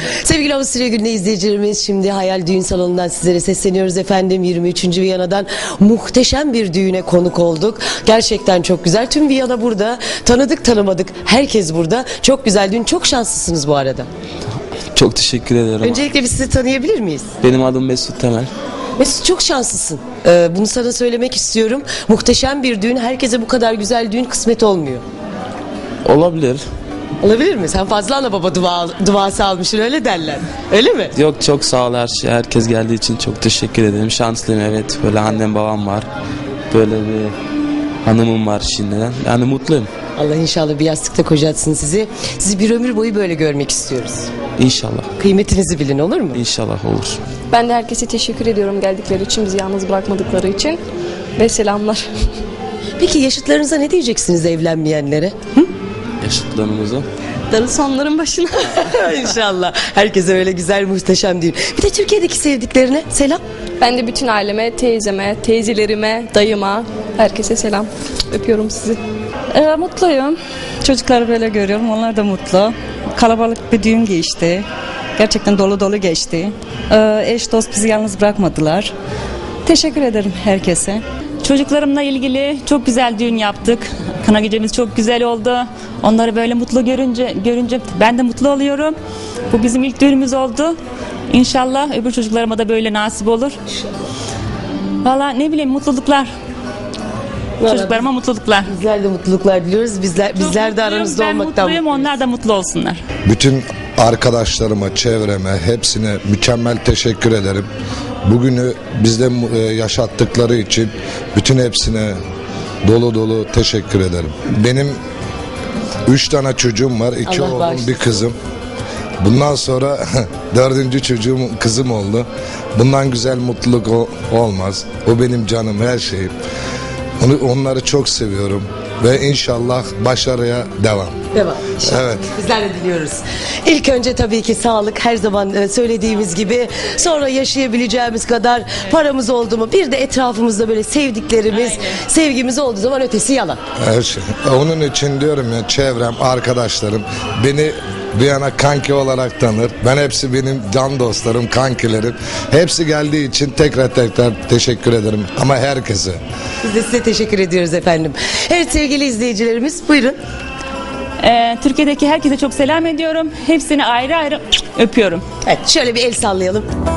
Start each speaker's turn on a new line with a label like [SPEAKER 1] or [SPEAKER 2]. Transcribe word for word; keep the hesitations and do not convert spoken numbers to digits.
[SPEAKER 1] Sevgili Avusturya Günü izleyicilerimiz, şimdi Hayal Düğün Salonu'ndan sizlere sesleniyoruz efendim. yirmi üçüncü Viyana'dan muhteşem bir düğüne konuk olduk. Gerçekten çok güzel. Tüm Viyana burada. Tanıdık tanımadık. Herkes burada. Çok güzel düğün. Çok şanslısınız bu arada.
[SPEAKER 2] Çok teşekkür ederim.
[SPEAKER 1] Öncelikle biz sizi tanıyabilir miyiz?
[SPEAKER 2] Benim adım Mesut Temel.
[SPEAKER 1] Mesut, çok şanslısın. Ee, bunu sana söylemek istiyorum. Muhteşem bir düğün. Herkese bu kadar güzel düğün kısmet olmuyor.
[SPEAKER 2] Olabilir.
[SPEAKER 1] Olabilir mi? Sen fazla ana baba dua, duası almışsın, öyle derler. Öyle mi?
[SPEAKER 2] Yok, çok sağ ol her şey. Herkes geldiği için çok teşekkür ederim. Şanslıyım, evet. Böyle annem babam var. Böyle bir hanımım var şimdiden. Yani mutluyum.
[SPEAKER 1] Allah inşallah bir yastıkta kocatsın sizi. Sizi bir ömür boyu böyle görmek istiyoruz.
[SPEAKER 2] İnşallah.
[SPEAKER 1] Kıymetinizi bilin, olur mu?
[SPEAKER 2] İnşallah olur.
[SPEAKER 3] Ben de herkese teşekkür ediyorum geldikleri için, bizi yalnız bırakmadıkları için. Ve selamlar.
[SPEAKER 1] Peki yaşıtlarınıza ne diyeceksiniz, evlenmeyenlere? Hı?
[SPEAKER 2] Yaşıtlarımızı.
[SPEAKER 3] Darısı onların başına.
[SPEAKER 1] İnşallah. Herkese öyle güzel, muhteşem düğün. Bir de Türkiye'deki sevdiklerine selam.
[SPEAKER 3] Ben de bütün aileme, teyzeme, teyzelerime, dayıma, herkese selam. Öpüyorum sizi.
[SPEAKER 4] Ee, mutluyum. Çocukları böyle görüyorum. Onlar da mutlu. Kalabalık bir düğün geçti. Gerçekten dolu dolu geçti. Ee, eş dost bizi yalnız bırakmadılar. Teşekkür ederim herkese.
[SPEAKER 5] Çocuklarımla ilgili çok güzel düğün yaptık. Kına gecemiz çok güzel oldu. Onları böyle mutlu görünce görünce ben de mutlu oluyorum. Bu bizim ilk düğünümüz oldu. İnşallah öbür çocuklarıma da böyle nasip olur. Valla ne bileyim, mutluluklar. Çocuklarıma mutluluklar.
[SPEAKER 1] Bizler de mutluluklar diliyoruz. Bizler, bizler de aranızda
[SPEAKER 5] ben
[SPEAKER 1] olmaktan
[SPEAKER 5] mutluyum, onlar da mutlu olsunlar.
[SPEAKER 6] Bütün arkadaşlarıma, çevreme, hepsine mükemmel teşekkür ederim. Bugünü bizde e, yaşattıkları için bütün hepsine dolu dolu teşekkür ederim. Benim üç tane çocuğum var. iki
[SPEAKER 1] Allah
[SPEAKER 6] oğlum,
[SPEAKER 1] bağışlasın.
[SPEAKER 6] bir kızım. Bundan sonra dördüncü çocuğum kızım oldu. Bundan güzel mutluluk o- olmaz. O benim canım, her şeyim. Onu, onları çok seviyorum. Ve inşallah başarıya devam.
[SPEAKER 1] Devam. İnşallah.
[SPEAKER 6] Evet.
[SPEAKER 1] Bizler de diliyoruz. İlk önce tabii ki sağlık, her zaman e, söylediğimiz gibi. Sonra yaşayabileceğimiz kadar paramız oldu mu, bir de etrafımızda böyle sevdiklerimiz, sevgimiz olduğu zaman ötesi yalan.
[SPEAKER 6] Her şey. Onun için diyorum ya, çevrem, arkadaşlarım beni Viyana kanki olarak tanır. Ben hepsi benim can dostlarım, kankilerim. Hepsi geldiği için tekrar tekrar teşekkür ederim. Ama herkese.
[SPEAKER 1] Biz de size teşekkür ediyoruz efendim. Evet sevgili izleyicilerimiz, buyurun.
[SPEAKER 5] Ee, Türkiye'deki herkese çok selam ediyorum. Hepsini ayrı ayrı öpüyorum.
[SPEAKER 1] Evet, şöyle bir el sallayalım.